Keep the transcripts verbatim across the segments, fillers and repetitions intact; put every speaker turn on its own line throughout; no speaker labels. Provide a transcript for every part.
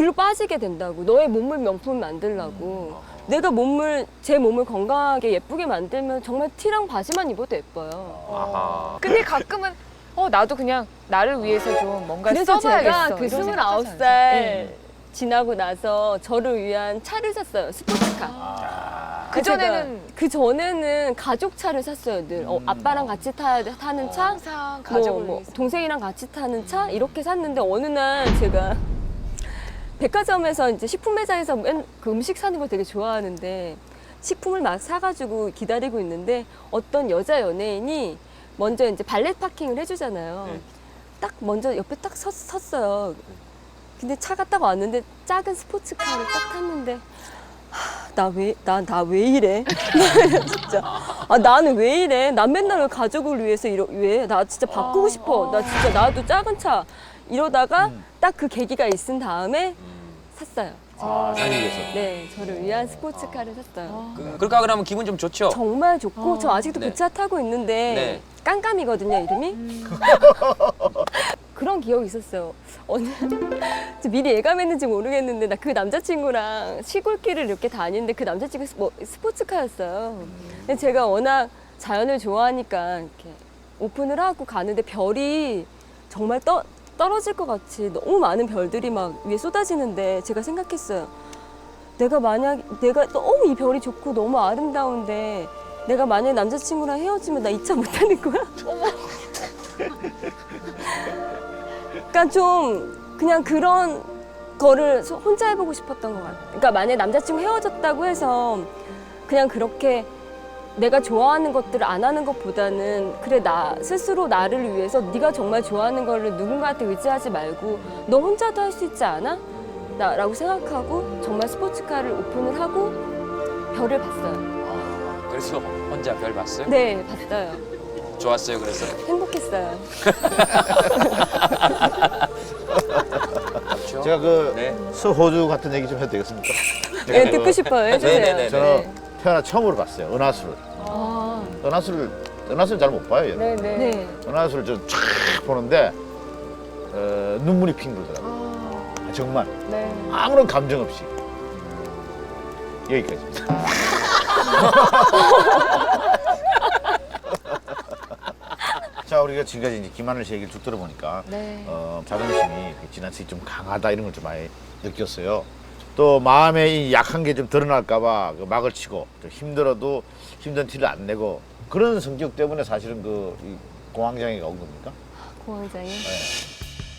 글로 빠지게 된다고. 너의 몸을 명품 만들라고. 음. 내가 몸을, 제 몸을 건강하게 예쁘게 만들면 정말 티랑 바지만 입어도 예뻐요.
아하.
근데 가끔은 어 나도 그냥 나를 위해서 좀 뭔가
그래서
써봐야겠어.
제가 그
이런
스물아홉
생각하지
살
않으세요?
지나고 나서 저를 위한 차를 샀어요. 스포츠카.
아.
그 전에는
그 전에는 가족 차를 샀어요. 늘 어, 아빠랑 같이 타, 타는 차,
항상
뭐,
가족을
뭐
위해서.
동생이랑 같이 타는 차 이렇게 샀는데 어느 날 제가 백화점에서 이제 식품 매장에서 맨, 그 음식 사는 걸 되게 좋아하는데 식품을 막 사가지고 기다리고 있는데 어떤 여자 연예인이 먼저 이제 발렛 파킹을 해주잖아요.
네.
딱 먼저 옆에 딱 섰, 섰어요. 근데 차가 딱 왔는데 작은 스포츠카를 딱 탔는데 나 왜, 나, 나 왜 이래? 진짜. 아, 나는 왜 이래? 난 맨날 왜 가족을 위해서 이러, 왜? 나 진짜 바꾸고 싶어. 나 진짜 나도 작은 차. 이러다가 딱 그 계기가 있은 다음에 샀어요.
아, 사기 위해서.
네, 저를 위한 스포츠카를 샀어요.
그, 그럴까 그러면 기분 좀 좋죠?
정말 좋고, 저 아직도
네.
그 차 타고 있는데,
네.
깜깜이거든요, 이름이. 그런 기억이 있었어요. 어느, 저 미리 예감했는지 모르겠는데, 나 그 남자친구랑 시골길을 이렇게 다니는데, 그 남자친구 스, 뭐, 스포츠카였어요. 근데 제가 워낙 자연을 좋아하니까, 이렇게 오픈을 하고 가는데, 별이 정말 떠, 떨어질 것 같이 너무 많은 별들이 막 위에 쏟아지는데, 제가 생각했어요. 내가 만약, 내가 너무 이 별이 좋고 너무 아름다운데, 내가 만약에 남자친구랑 헤어지면 나 이 차 못 타는 거야? 그러니까 좀 그냥 그런 거를 소- 혼자 해보고 싶었던 것 같아요. 그러니까 만약에 남자친구 헤어졌다고 해서 그냥 그렇게 내가 좋아하는 것들을 안 하는 것보다는 그래 나 스스로 나를 위해서 네가 정말 좋아하는 거를 누군가한테 의지하지 말고 너 혼자도 할 수 있지 않아? 나, 라고 생각하고 정말 스포츠카를 오픈을 하고 별을 봤어요.
아, 그래서 혼자 별 봤어요?
네, 봤어요.
좋았어요, 그래서?
행복했어요.
그렇죠?
제가 그
네.
서호주 같은 얘기 좀 해도 되겠습니까?
네, 듣고 싶어요. 해주세요.
네네네.
저는 태어나 처음으로 봤어요. 은하수를.
아,
은하수를 은하수를 잘 못 봐요. 얘는.
네네.
네.
은하수를 저쫙 보는데 어, 눈물이 핑 돌더라고요.
아,
아, 정말
네.
아무런 감정 없이 여기까지. 자, 우리가 지금까지 이제 김하늘 씨 얘기를 쭉 들어보니까
네.
어, 자존심이 지나치게 좀 강하다 이런 걸 좀 많이 느꼈어요. 또 마음에 이 약한 게 좀 드러날까봐 그 막을 치고 좀 힘들어도 힘든 티를 안 내고 그런 성격 때문에 사실은 그 이 공황장애가 온 겁니까?
공황장애.
네.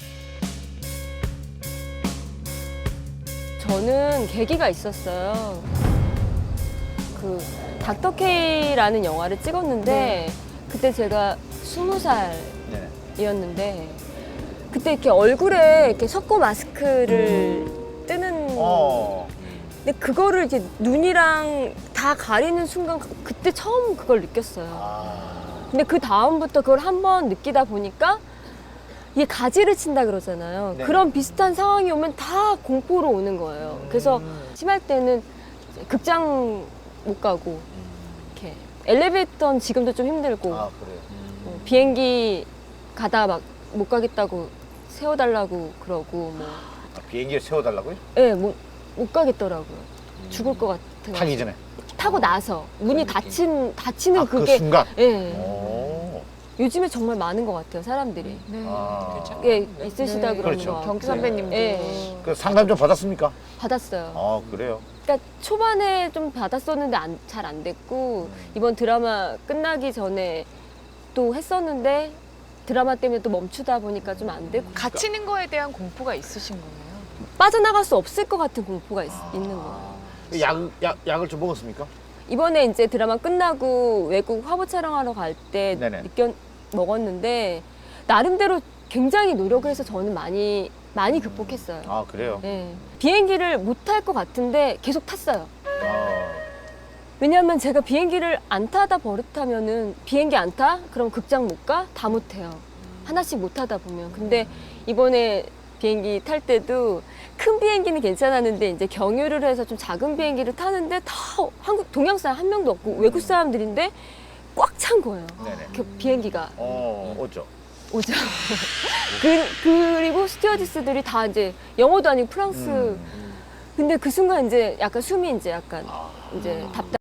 저는 계기가 있었어요. 그 닥터 K라는 영화를 찍었는데 그때 제가 스무 살이었는데
네.
그때 이렇게 얼굴에 이렇게 석고 마스크를 뜨는
어.
근데 그거를 이제 눈이랑 다 가리는 순간 그때 처음 그걸 느꼈어요.
아.
근데 그 다음부터 그걸 한번 느끼다 보니까 이게 가지를 친다 그러잖아요.
네.
그런 비슷한 상황이 오면 다 공포로 오는 거예요. 그래서 심할 때는 극장 못 가고 이렇게 엘리베이터는 지금도 좀 힘들고
아, 그래요.
뭐 비행기 가다 막 못 가겠다고 세워달라고 그러고 뭐
아, 비행기를 세워달라고요?
예, 못, 못 가겠더라고요. 죽을 것 같아요.
타기 전에.
타고 나서 문이 닫힌 닫히는
아, 그
그게
순간.
예.
오.
요즘에 정말 많은 것 같아요, 사람들이.
네.
아.
예, 있으시다
네.
그러는
그렇죠.
거. 같고.
경기 선배님도.
예.
그 상담 좀 받았습니까?
받았어요.
아, 그래요.
그러니까 초반에 좀 받았었는데 잘 안 됐고 이번 드라마 끝나기 전에 또 했었는데 드라마 때문에 또 멈추다 보니까 좀 안 되고
갇히는 거에 대한 공포가 있으신 거예요?
빠져나갈 수 없을 것 같은 공포가 있, 있는 거예요.
그 약, 약, 약을 좀 먹었습니까?
이번에 이제 드라마 끝나고 외국 화보 촬영하러 갈 때
네네.
느껴 먹었는데 나름대로 굉장히 노력을 해서 저는 많이 많이 극복했어요.
아, 그래요?
예. 비행기를 못 탈 것 같은데 계속 탔어요.
아.
왜냐하면 제가 비행기를 안 타다 버릇하면은 비행기 안 타? 그럼 극장 못 가? 다 못 해요. 하나씩 못 타다 보면. 근데 이번에 비행기 탈 때도 큰 비행기는 괜찮았는데 이제 경유를 해서 좀 작은 비행기를 타는데 다 한국 동양 사람 한 명도 없고 외국 사람들인데 꽉 찬 거예요.
네네.
그 비행기가.
어, 어쩌?
오죠. 그, 그리고 스튜어디스들이 다 이제 영어도 아니고 프랑스.
음.
근데 그 순간 이제 약간 숨이 이제 약간 이제 답답.